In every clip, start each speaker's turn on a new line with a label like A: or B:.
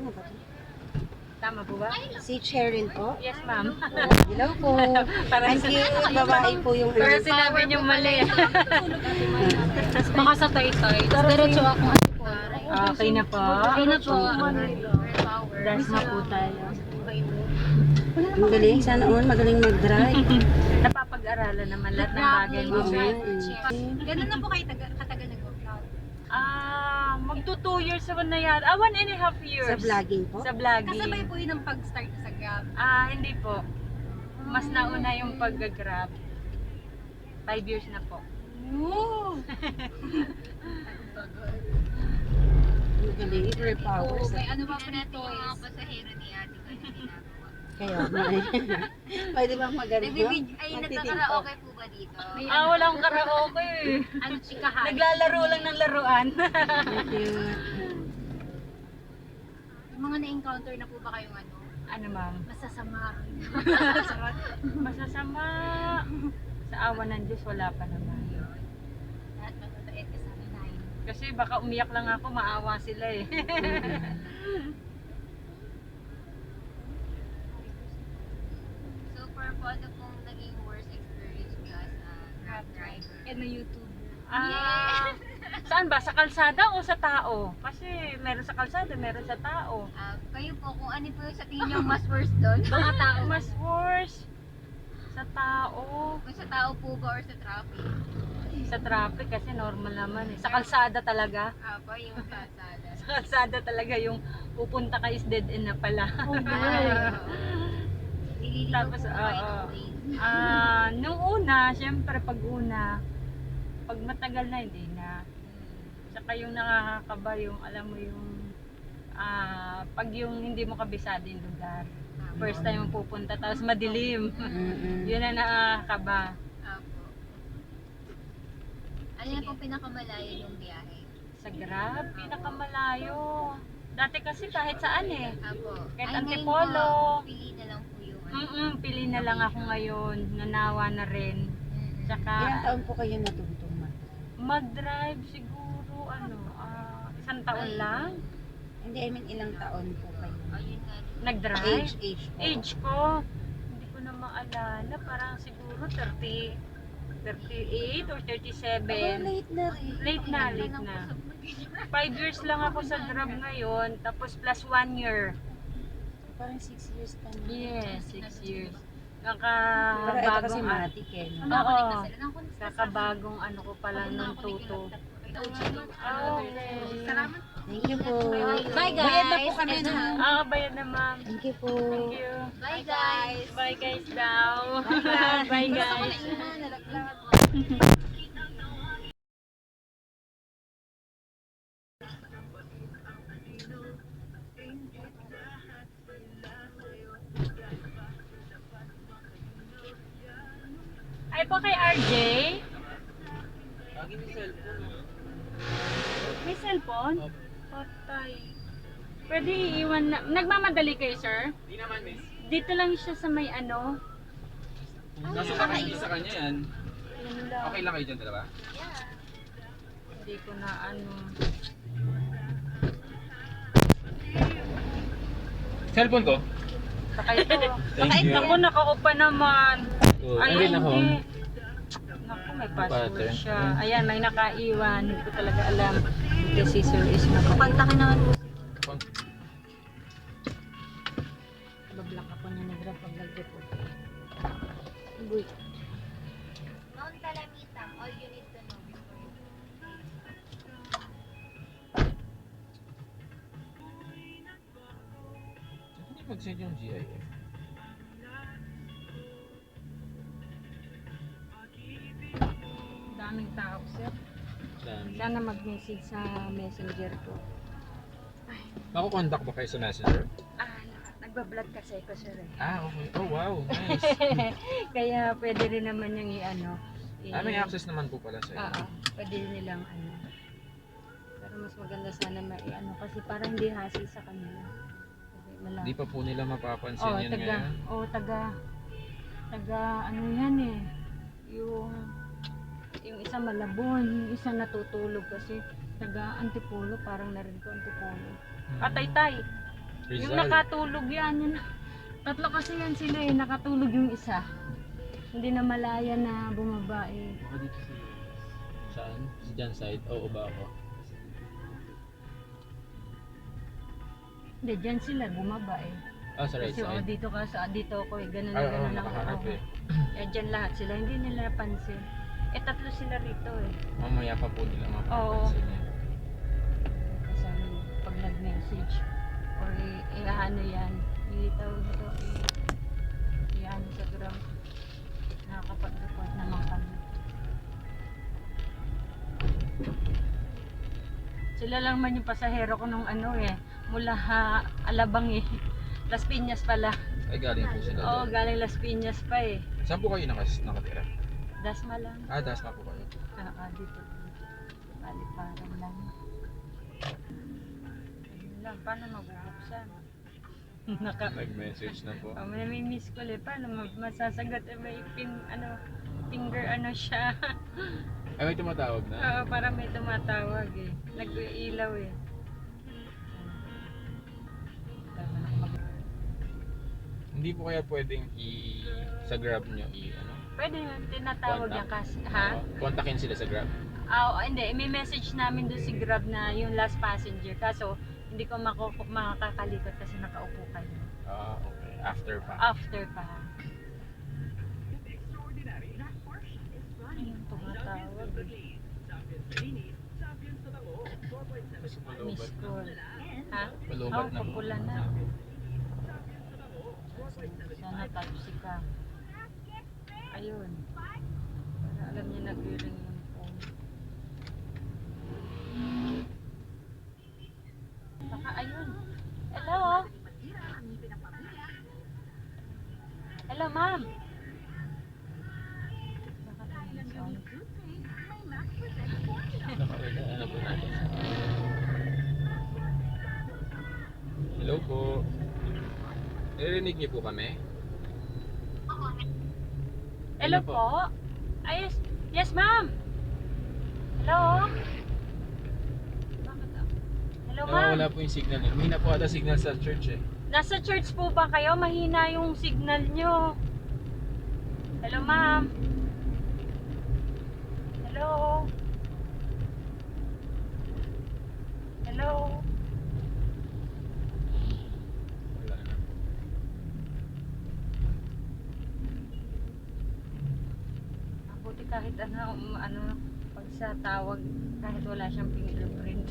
A: Tama ba ito?
B: Tama po ba?
A: Si Cheryl po.
B: Yes, ma'am.
A: Hello po. Ang cute, babae po yung
B: Pero sinabi niyo mali.
C: Baka sa toy-toy. Diretso ako.
B: Okay na po.
C: Okay na po.
B: Dance na po tayo.
A: Ang galing, sana all magaling mag-drive.
B: Napapag-aralan naman lahat ng bagay mo.
C: Ganun na po kayo katagal nag-vlog?
B: Magto 2 years naman na yan. 1.5 years.
A: Sa vlogging po.
B: Sa vlogging.
C: Kasabay po yun ang pag-start sa Grab.
B: Hindi po. Mas nauna yung pag-grab. 5 years na po.
C: Oo!
A: Ang galing, career powers.
C: May ano ba po na
D: Natin yung
C: toys?
D: mga pasahero ni ate ko na ginagawa.
A: Kaya, pwede bang maganda?
D: Ay, nagkakaraoke po ba dito?
B: Walang karaoke.
C: Ano, chikahan?
B: Naglalaro lang ng laruan.
A: Cute.
C: Yung mga na-encounter na po ba kayong ano?
B: Ano, ma'am?
C: Masasama.
B: Masasama. Sa awa ng Diyos, wala pa naman.
C: Lahat mababait ka sa amin.
B: Kasi baka umiyak lang ako, maawa sila eh.
D: So, for po, ano pong naging worst experience niyo as a Grab driver?
C: And na YouTube.
B: Saan ba? Sa kalsada o sa tao? Kasi meron sa kalsada, meron sa tao.
D: Kayo po, kung ano po yung sa tingin niyo mas worst doon?
B: Mga tao. Mas worse. Sa tao.
D: Kung sa tao po ba or sa traffic?
B: Sa traffic kasi normal naman eh. Sa kalsada talaga.
D: Po, yung kalsada.
B: Sa kalsada talaga yung pupunta ka is dead end na pala.
D: Nililigaw
B: Tapos,
D: po kayo ng way.
B: nung una, syempre pag una, pag matagal na hindi na. Saka yung nakakakaba yung, alam mo yung, pag yung hindi mo kabisado yung lugar. First time mo pupunta, tapos madilim. Yun na nakakaba.
D: Apo. Ano na pong pinakamalayo yung biyahe?
B: Sa Grab, pinakamalayo. Dati kasi kahit saan eh.
D: Apo.
B: Kahit
D: Ay, ngayon
B: Antipolo.
D: po, pili na lang po yung
B: Pili na lang ako ngayon. Nanawa na rin. Tsaka,
A: Ilang taon po kayo natutong
B: mag-drive siguro, isang taon lang.
A: Hindi, I mean ilang taon po kayo?
D: Ayun nga.
B: Nag-drive.
A: Age po.
B: Age ko, hindi ko na maalala. Parang siguro 38 or 37.
A: Late na rin.
B: Late na. 5 years lang ako sa Grab ngayon, tapos plus 1 year.
A: Parang 6 years pa na.
B: Yes, 6 years.
A: Pero ito kasi
B: Kakabagong
A: matik eh. No?
C: Nakakonek na sila. Nakakonek na
B: kakabagong ano ko pala ng tuto.
C: Salamat.
A: Thank you po.
C: Bye guys.
A: Bayad na po kami na.
B: Bayad na ma'am.
A: Thank you po.
B: Thank you.
D: Bye guys!
B: Bye guys daw. Bye guys. Ay po kay RJ. May cellphone? Patay. Pwede iiwan na. Nagmamadali kayo, sir?
E: Di naman, miss.
B: Dito lang siya sa may ano.
E: Kaso parang hindi sa kanya yan.
B: Yun lang.
E: Okay lang kayo dyan, dalawa?
B: Hindi ko na ano.
E: Cellphone ko?
B: Sakay to.
E: Thank you.
B: Naku, nakaupa naman. Ay,
E: Ayun ako.
B: hindi. Naku, may password
E: Pattern.
B: siya. Ayan, may nakaiwan. Hindi ko talaga alam. Kasi sir is
C: Kontakin naman po.
B: Bablock ako niya nag-grab pag nag-report.
A: Uy.
D: Mount Calamitam, all you need to know before you
E: Hindi mag-send yung GIF.
B: Daming tao, sir. Sana mag-message sa messenger ko.
E: Mako-contact ba kayo sa messenger?
B: Nagbablog kasi ko, sir.
E: Okay. Oh, wow. Nice.
B: Kaya pwede rin naman yung i-ano.
E: May access naman po pala sa
B: Oo, pwede nilang ano. Pero mas maganda sana mai-ano kasi para hindi hassle sa kanila. Kasi malaki.
E: Hindi pa po nila mapapansin yun ngayon.
B: Taga ano yan eh. Yung isa Malabon, yung isa natutulog kasi taga Antipolo, parang narinig ko Antipolo. Taytay. Yung
E: Rizal.
B: nakatulog yan. Yun. Tatlo kasi yan sila eh. Nakatulog yung isa. Hindi na malaya na bumaba eh.
E: Baka dito sa saan? Sa dyan side? Oo ba ako?
B: Hindi, dyan sila bumaba eh.
E: Ah, sa right
B: Kasi
E: side?
B: dito ka sa dito ako eh. Ganun
E: Ay,
B: na
E: oo,
B: ganun lang
E: nakaharap
B: ako.
E: eh.
B: Eh, dyan lahat sila. Hindi nila pansin. Eh, tatlo sila rito eh.
E: Mamaya pa po nila mapapansin yan.
B: Kasi pag nag-message or ano yan, itawag ito, ano sa gram, nakakapag-report naman kami. Sila lang man yung pasahero ko nung ano eh, mula Alabang eh. Las Piñas pala.
E: Ay, galing po sila
B: Oo,
E: doon.
B: galing Las Piñas pa eh.
E: Saan po kayo nakatira?
B: Dasma lang.
E: Ah, Dasma po kayo.
B: Dito. Paliparan lang. Ayun lang, paano mabubuksan?
E: Nag-message na po.
B: May miss ko eh. Paano masasagot? May finger ano siya.
E: Ay, may tumatawag na.
B: Oo, para may tumatawag eh. Nag-iilaw eh.
E: Hindi po kaya pwedeng sa Grab nyo ano?
B: Pwede yun, tinatawag niya kasi. Ha?
E: Kontakin sila sa Grab.
B: Hindi. May message namin doon si Grab na yung last passenger. Kaso, hindi ko makakalikot kasi nakaupo kayo.
E: Ah, okay. After pa.
B: After pa. Ayun, tumatawag eh. Miss call. Ha?
E: Palubat na po.
B: Papula na. Sana taxi ka. Ayun. Para alam niya nag-ring yung phone. Baka ayun. Hello? Hello, ma'am. Baka tayo.
E: Ano po natin? Hello po. Narinig niyo po kami?
B: Hello po? Ayos. Yes, ma'am. Hello? Hello, ma'am.
E: Wala po yung signal niyo. Mahina po ata signal sa church eh.
B: Nasa church po ba kayo? Mahina yung signal nyo. Hello, ma'am. Hello? Hello?
E: Wala na.
B: Buti kahit ano, pag sa tawag, kahit wala siyang fingerprint.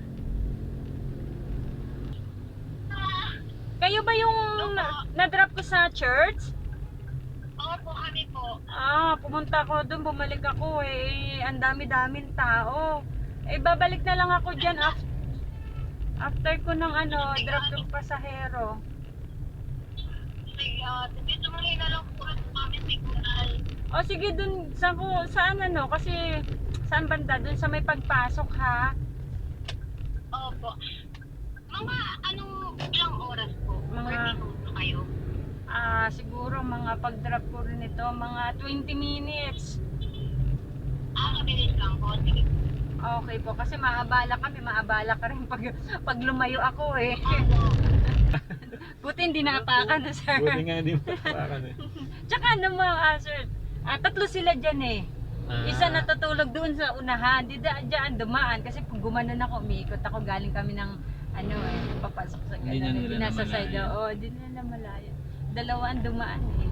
B: Kayo ba yung na-drop ko sa church?
D: Opo, kami po.
B: Pumunta ko doon, bumalik ako eh. Ang dami-daming tao. Eh, babalik na lang ako dyan after ko ng drop ng pasahero.
D: Sige, dito mahina lang po sa kami signal.
B: O sige, dun, saan kasi saan banda? Dun sa may pagpasok ha?
D: Opo. Mga ilang oras po?
B: Mga-
D: 30 minuto kayo?
B: Siguro mga pag-drop ko rin ito, mga 20 minutes.
D: Mabilis lang po. Sige.
B: Okay po, kasi maabala ka rin pag lumayo ako eh. Buti hindi naapakan na sir.
E: Buti nga hindi mapapakan eh.
B: Tsaka sir, tatlo sila dyan eh. Isa natutulog doon sa unahan, di dyan dumaan kasi pag gumanon ako, umiikot ako, galing kami ng papasok sa
E: Hindi na nila
B: nasa side.
E: namalayan.
B: Oo, di nila namalayan. Dalawa ang dumaan eh.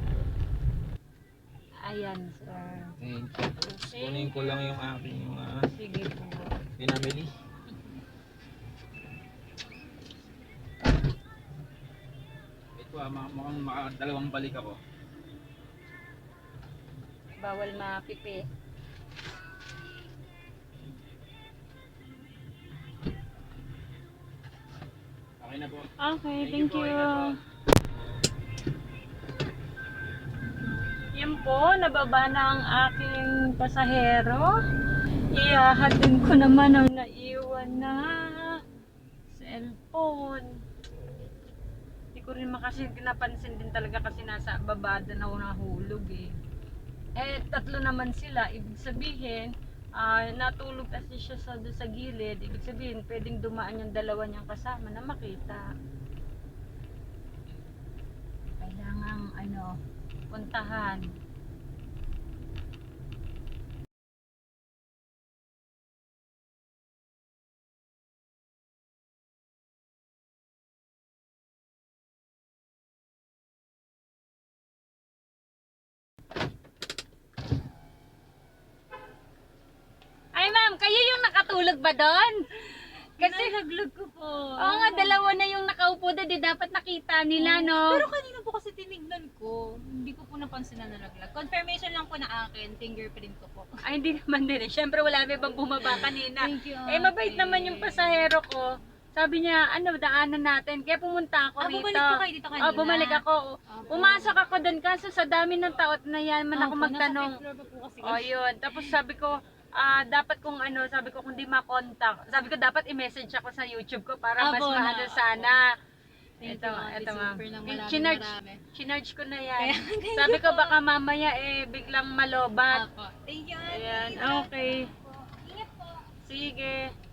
B: Ayan, sir.
E: Thank you. Kunin ko lang yung aking mga
B: Sige po.
E: pinamili. Ito mukhang makadalawang balik ako.
B: Bawal mapipi.
E: Okay na po.
B: Okay, thank
E: po,
B: you.
E: ina po.
B: Yan po, nababa na ang aking pasahero. Ihahatid ko naman ang naiwan na cellphone. Hindi ko rin napansin din talaga kasi nasa babada na nahulog eh. Eh, tatlo naman sila. Ibig sabihin, natulog kasi siya sa gilid. Ibig sabihin, pwedeng dumaan yung dalawa niyang kasama na makita. kailangang puntahan. Ay ma'am, kayo yung nakatulog ba doon? Kasi
C: Nalaglag ko po.
B: oo nga, dalawa na yung nakaupo doon, di dapat nakita nila, no?
C: Pero kanina po kasi tinignan ko, hindi ko po napansin na nalaglag. Confirmation lang po na akin, fingerprint ko po.
B: Ay, hindi naman din eh. Siyempre, wala may bang bumaba kanina.
C: Thank you.
B: Eh, mabait naman yung pasahero ko. Sabi niya, daanan natin. Kaya pumunta ako rito.
C: Bumalik po kayo dito kanina.
B: Oh, bumalik ako. Pumasok ako doon kaso sa dami ng taot na yan man ako
C: Opo,
B: magtanong.
C: nasa fifth floor pa po kasi.
B: Oh, yun. Tapos sabi ko, dapat sabi ko kung di makontak. Sabi ko dapat i-message ako sa YouTube ko para mas
C: Abo na.
B: maano sana.
C: Thank
B: Ito,
C: you, Ate
B: ito ma'am.
C: Super, ng marami,
B: Chinarge,
C: marami.
B: chinarge ko na yan. Sabi ko baka mamaya biglang malobat.
C: Apo. Thank you, Ate.
B: Ayan, okay.
C: Ingat po.
B: Sige.